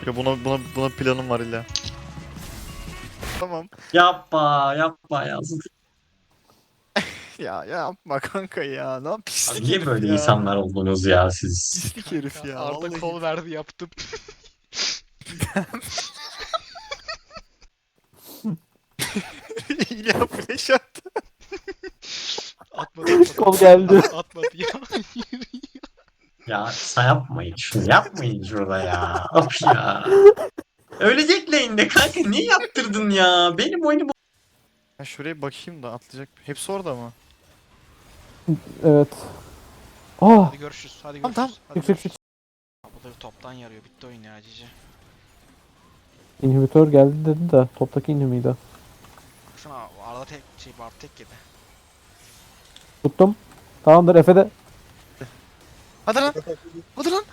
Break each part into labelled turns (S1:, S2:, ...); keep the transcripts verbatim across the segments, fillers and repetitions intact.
S1: Ya buna buna buna planım var illa. Tamam.
S2: Yapma yapma ya.
S1: Ya yapma kanka ya. Ne yap
S2: Abi
S1: pislik
S2: niye
S1: herif
S2: böyle
S1: ya.
S2: insanlar oldunuz ya siz?
S1: Pislik herif ya.
S3: Arda
S1: Vallahi.
S3: kol verdi yaptım.
S1: İlla flash attı.
S3: Atmadı atmadı.
S4: Kol geldi.
S3: At- Atmadı ya.
S2: Ya sen yapmayın şunu yapmayın şurada ya. Of ya. Ölecek lane'de kanka niye yaptırdın ya? Benim oyunu
S1: Ya şuraya bakayım da atlayacak. Hepsi orada mı?
S4: Evet. Ah!
S3: Hadi görüşürüz. Hadi
S1: Tamam,
S3: görüşürüz.
S1: tamam.
S3: Hadi
S4: Çık çık çık.
S3: görüşürüz. Bu da toptan yarıyor. Bitti oyun ya cici.
S4: İnhibitör geldi dedi de toptaki inhibiydi.
S3: Baksana arada tek şey var tek yedi.
S4: Tuttum. Tamamdır Efe de.
S1: Hadi lan. Hadi lan.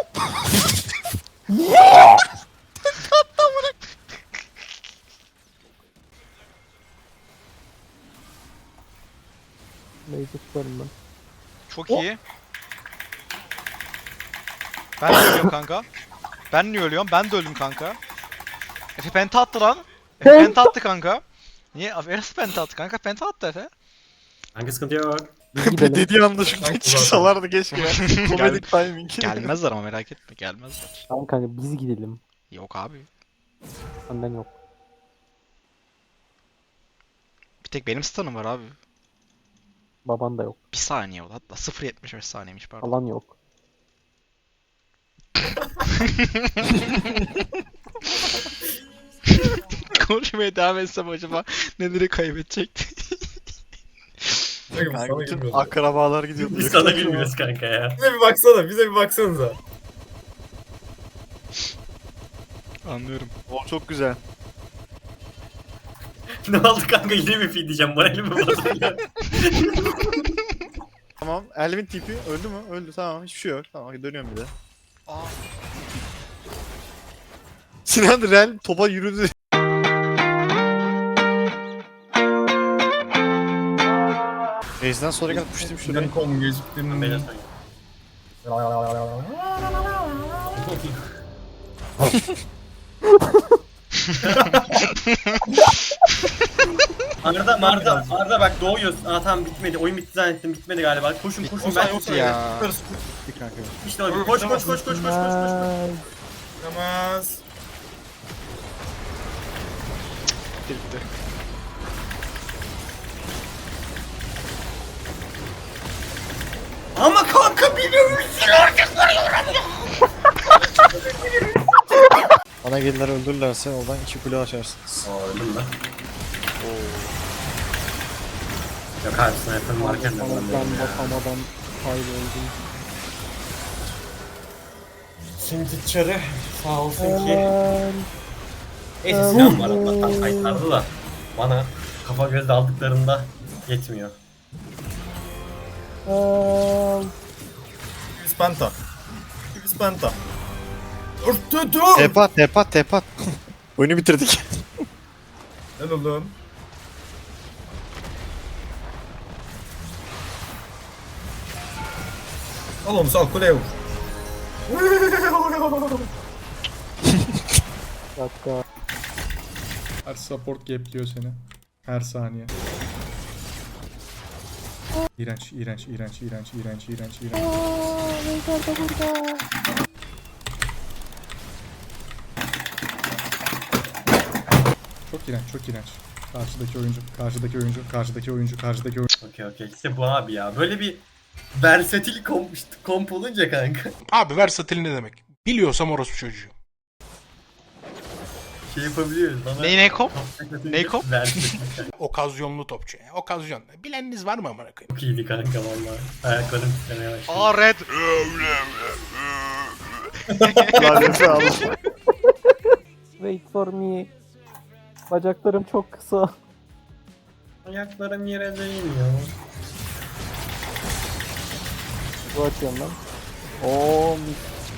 S4: Neyse tutarım ben.
S3: Çok iyi. Ben de ölüyorum kanka. Ben niye ölüyorum? Ben de öldüm kanka. Efe penta attı lan. Efe
S4: Penta-
S3: penta attı kanka. Niye? Efe nasıl penta attı kanka? Penta attı Efe.
S2: Kanka sıkıntı yok.
S4: Biz gidelim.
S1: Dediği anda şuradan çıksalardı keşke ya. Komedik timing.
S3: Gelmezler ama merak etme gelmezler.
S4: Tamam kanka biz gidelim.
S3: Yok abi.
S4: Benden yok.
S3: Bir tek benim stun'ım var abi.
S4: Baban da yok.
S3: Bir saniye oldu hatta sıfır virgül yetmiş beş saniyemiş pardon.
S4: Alan yok.
S3: Konuşmaya devam etsem acaba neleri kaybedecekti?
S1: Kanka bütün akrabalar gidiyordu.
S2: Biz sana gülmüyoruz kanka ya.
S5: Bize bir baksana, bize bir baksanıza.
S3: Anlıyorum.
S1: O çok güzel.
S2: Ne oldu kanka yine mi feed diyeceğim moralimi bozuluyor.
S1: Tamam. Elvin tipi öldü mü? Öldü tamam. Hiçbir şey yok. Tamam dönüyorum bir de.
S3: Aa.
S1: Sinan Rel topa yürüdü. Base'den sonra gel puştum şuraya.
S5: Kom geciktiğinin...
S2: Beyler Arda Arda Arda bak doğuyorsun. Aa tamam bitmedi. Oyun bitti zannettim. Bitmedi galiba. Koşun koşun ben
S1: Yoksa
S3: ya.
S1: Bir kanka.
S2: işte öyle. Koş koş koş koş koş koş koş.
S4: Nice.
S5: Namaz.
S3: Bitti bitti.
S2: Ama kanka biliyorum.
S1: Bana gelirler öldürürlerse oradan iki kule açarsınız.
S2: Aa öldüm lan. Yok abi sniper varken de ben
S4: Bakamadan
S2: de ya.
S4: bakamadan kayboldum.
S2: Şimdi çarı sağ olsun ki.
S4: Helal.
S2: Neyse silah var Allah'tan kaytardı da. Bana kafa göz aldıklarında yetmiyor.
S4: Helal.
S5: Biz penta. Biz penta. Dur dur.
S1: Tepat tepat tepat. Oyunu bitirdik.
S5: Ben oğlum. Al onu sal kuleye vur.
S4: Dakika.
S6: Her support gapliyor seni. Her saniye. İğrenç, iğrenç, iğrenç, iğrenç, iğrenç, iğrenç, iğrenç. Çok iğrenç, çok iğrenç. Karşıdaki oyuncu, karşıdaki oyuncu, karşıdaki oyuncu, karşıdaki oyuncu.
S2: Okey okey işte bu abi ya. Böyle bir versatil komp, komp olunca kanka.
S7: Abi versatil ne demek? Biliyorsam orospu çocuğu.
S2: Şey yapabiliyoruz. Bana
S3: Ney ne kop? Ney kop?
S2: Versatil kanka.
S7: Okazyonlu topçu. Yani. Okazyon. Bileniniz var mı amına koyayım?
S2: Çok iyiydi kanka valla. Ayaklarım titremeye başladı.
S3: Aa red.
S1: Laneti al.
S4: Wait for me. Bacaklarım çok kısa.
S2: Ayaklarım yere değmiyor.
S4: Bu açıyorum lan. Oo mis.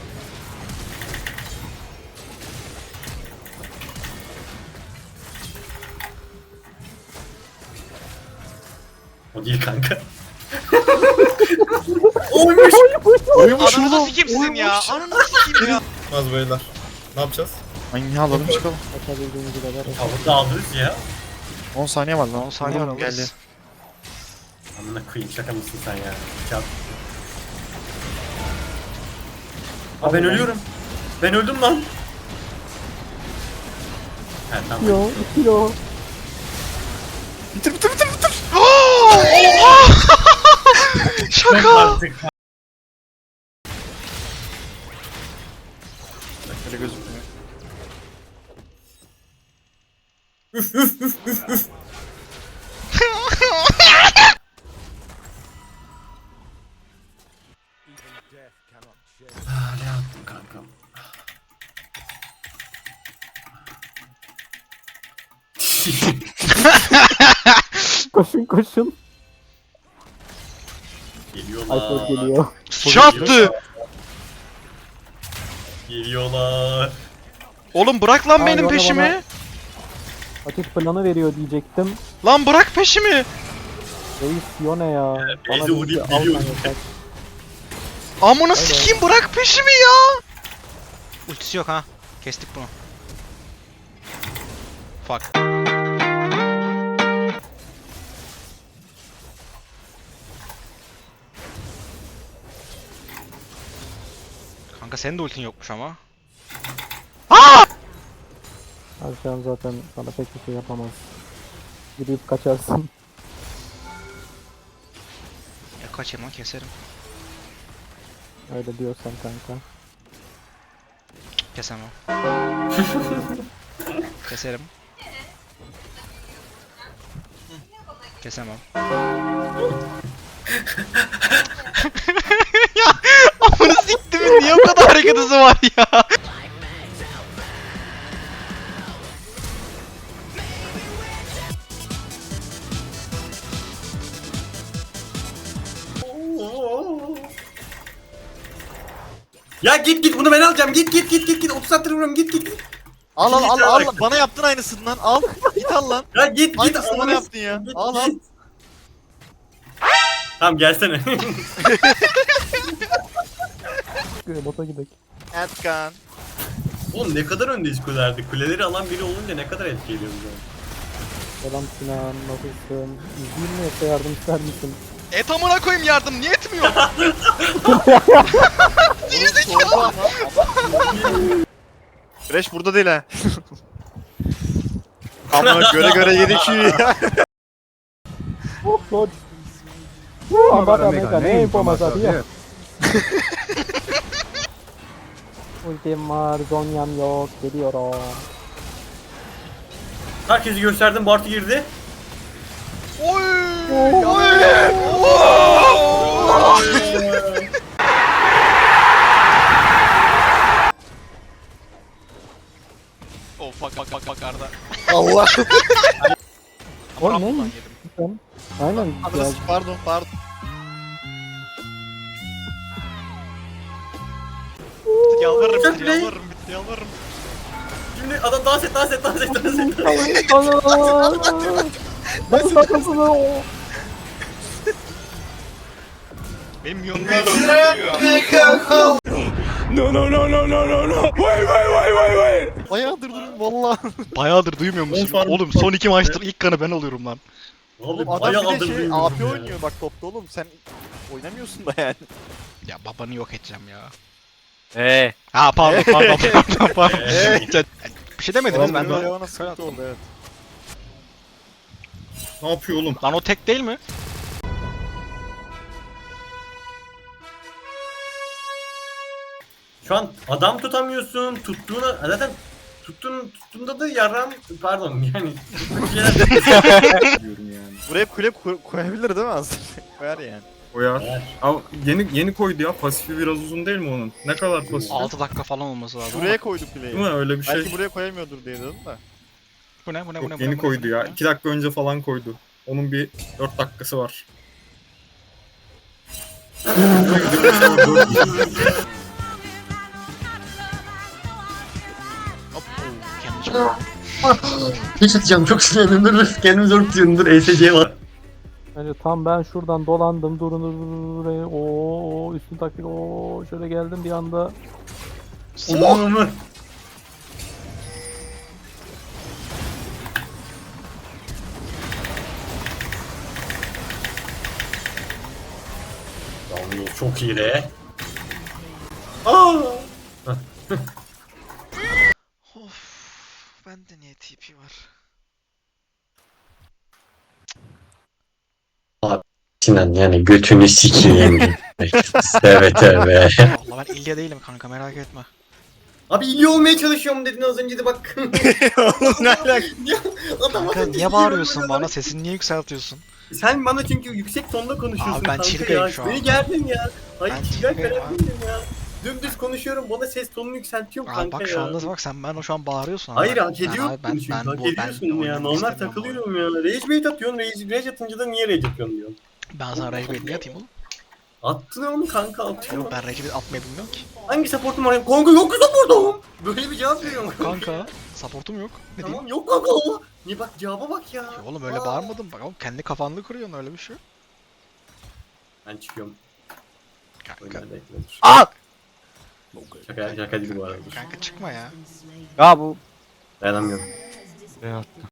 S2: O değil kanka.
S1: Oymuş
S3: Ananı sikimsin ya. Ananı sikim ya.
S5: Az beyler. Ne yapacağız?
S1: Ay alalım çıkalım.
S4: Kaçabildiğimiz kadar.
S2: Tavuk da alırız ya.
S1: on saniye var lan.
S3: on saniye var,
S1: Vuralım, geldi.
S3: alırız.
S2: Amına koyayım, şaka mısın sen ya? Çat. Aa ben ölüyorum. Ben öldüm lan. He tamam.
S4: Kilo, kilo.
S1: Bitir bitir bitir bitir.
S3: Şaka.
S2: Artık.
S1: Öyle gözükmüyor.
S2: Aa, ne yaptın kankam?
S4: Koşun koşun.
S2: Geliyorlar.
S4: Alper geliyor.
S3: Çattı.
S2: Geliyorlar.
S3: Oğlum bırak lan
S4: Aa,
S3: benim
S4: bana,
S3: peşimi.
S4: bana. Ateş planı veriyor diyecektim.
S3: Lan bırak peşimi.
S4: Reis Yone ya.
S2: Beyzi
S4: Bana bir
S2: uğrayıp
S4: şey
S2: geliyor.
S4: alman yeter.
S3: Amına sikeyim, bırak peşimi ya. Ultisi yok ha. Kestik bunu. Fuck. Kanka senin de ultin yokmuş ama.
S4: Abi şu an zaten sana pek bir şey yapamaz. Gidip kaçarsın.
S3: Ya kaçayım lan, keserim.
S4: Öyle diyorsan kanka.
S3: Kesemem. Keserim. Kesemem. Ya amına siktimin niye o kadar hareket hızı var ya?
S2: Ya git git, bunu ben alacağım. Git git git git git. otuz saattir vuruyorum. Git git.
S1: Al al al
S2: Git,
S1: al.
S2: git.
S1: Bana yaptın aynısından. Al. Git al lan.
S2: Ya git git.
S1: Aynısını bana
S2: Ananı
S1: yaptın ya.
S2: Git,
S1: Al al.
S2: git. Tamam gelsene.
S4: Bota gidelim.
S1: Erkan.
S2: Oğlum ne kadar öndeyiz kulelerde. Kuleleri alan biri olunca ne kadar etki ediyoruz yani.
S4: Selam Sinan, nasılsın? İzleyeyim mi yoksa yardım ister misin?
S3: Et amına koyayım, yardım niye etmiyor?
S1: Sordu ama. Fresh burada değil ha. Ama göre göre yedik ya.
S4: Oh lord. Oh, baka mega ne yapamaz ya. Ultim var, Zonya'm yok, geliyorum.
S2: Herkesi gösterdim. Bartu girdi.
S3: Oy! Oh fuck fuck fuck fuck Arda.
S1: Allah.
S4: O
S3: Ramp
S4: ne?
S3: ulan yedim.
S4: Aynen. Ya,
S1: Anası, pardon pardon. Yalvarırım
S2: Çok
S1: bitir
S2: ne?
S1: yalvarırım bitir yalvarırım.
S2: Şimdi adam dans et dans et dans et dans et.
S4: Nasıl takılsın o?
S3: Benim milyonum
S1: Bayağıdır durun valla.
S3: bayağıdır duymuyor musun?
S5: On farm-
S3: Oğlum son iki maçtır ilk kanı ben alıyorum lan.
S1: Oğlum
S2: Oğlum
S1: adam bir de
S2: bayağı
S1: şey
S2: şey,
S1: A P oynuyor bak topta oğlum sen oynamıyorsun da yani.
S3: Ya babanı yok edeceğim ya.
S1: Eee.
S3: Ha pardon pardon pardon pardon.
S2: Ee,
S3: Bir şey demediniz ben
S1: Ben
S3: de.
S1: de ona sıkıntı oldu evet.
S5: Ne yapıyor oğlum?
S3: Lan o tek değil mi?
S2: Şu an adam tutamıyorsun. Tuttuğuna zaten tuttuğun tuttuğunda da yaran pardon yani tuttuğun şeyler
S5: Diyorum yani.
S1: Buraya kule koy- koyabilir değil mi aslında? Koyar yani.
S5: Koyar. Ama yeni yeni koydu ya. Pasifi biraz uzun değil mi onun? Ne kadar pasifi?
S3: altı dakika falan olması lazım.
S1: Buraya
S3: Buraya
S1: koydu
S5: Değil
S1: kuleyi.
S5: mi? Öyle bir şey.
S1: Belki buraya koyamıyordur diye dedim de.
S3: bu ne bu ne bu ne?
S5: Yok,
S3: bu ne,
S5: yeni
S3: bu ne,
S5: koydu
S3: bu ne,
S5: ya.
S3: bu ne?
S5: iki dakika önce falan koydu. Onun bir dört dakikası var.
S3: Hop, oo, yanlış.
S2: Hiç atacağım çok sinirlendim. Dur kendimi zor tutuyorum. Dur E S C var.
S4: Yani tam ben şuradan dolandım durun durun buraya. Oo üstün taktik. Oo şöyle geldim bir anda.
S2: Oğlum. Çok iyi de. Aa!
S3: Of. Bende niye T P var?
S2: Sinan yani götünü sikeyim. Evet evet.
S3: Vallahi ben İlya değilim kanka, merak etme.
S2: Abi iyi olmaya çalışıyorum dedin az önce de bak.
S1: Ne alaka?
S2: Adam
S3: Kanka niye bağırıyorsun bana? Sesini niye yükseltiyorsun?
S2: Sen bana çünkü yüksek tonda konuşuyorsun
S3: Abi ben
S2: kanka
S3: çirkeyim
S2: ya.
S3: şu an.
S2: Beni gerdin ya. Hayır
S3: Ben
S2: çirkey
S3: çirkeyim
S2: falan
S3: abi.
S2: değilim ya. Dümdüz konuşuyorum bana ses tonunu yükseltiyorum
S3: Abi
S2: kanka
S3: bak
S2: ya.
S3: şu anda bak sen ben şu an bağırıyorsun ama.
S2: Hayır
S3: bak,
S2: hak
S3: ben
S2: ediyorsun
S3: abi, ben,
S2: çünkü
S3: ben,
S2: hak
S3: bu,
S2: ediyorsun
S3: ben
S2: ya.
S3: oynamak
S2: Normal
S3: istemiyorum bu
S2: takılıyorum ya. Rage bait atıyorsun, rage, rage atınca da niye rage atıyorsun diyorsun.
S3: oyunu. Ben sana rage bait niye atayım oğlum?
S2: Attın onu kanka atıyor.
S3: Yok ben rage bait atmayı bilmiyorum ki.
S2: Hangi supportum var? Kanka yok ki supportum. Böyle bir cevap veriyorum.
S3: Kanka supportum yok. Ne diyeyim?
S2: Tamam yok kanka o. Niye bak cevaba bak ya.
S3: Ya oğlum öyle
S2: Aa.
S3: bağırmadım. Bak oğlum kendi kafanlı kırıyorsun, öyle bir şey yok.
S2: Ben çıkıyorum.
S3: Kanka.
S2: Oyunlarda eklenir.
S3: Aa!
S2: Şaka, şaka değil bu arada.
S3: Kanka çıkma ya.
S1: Ya bu.
S2: Dayanamıyorum.
S1: Ne attı?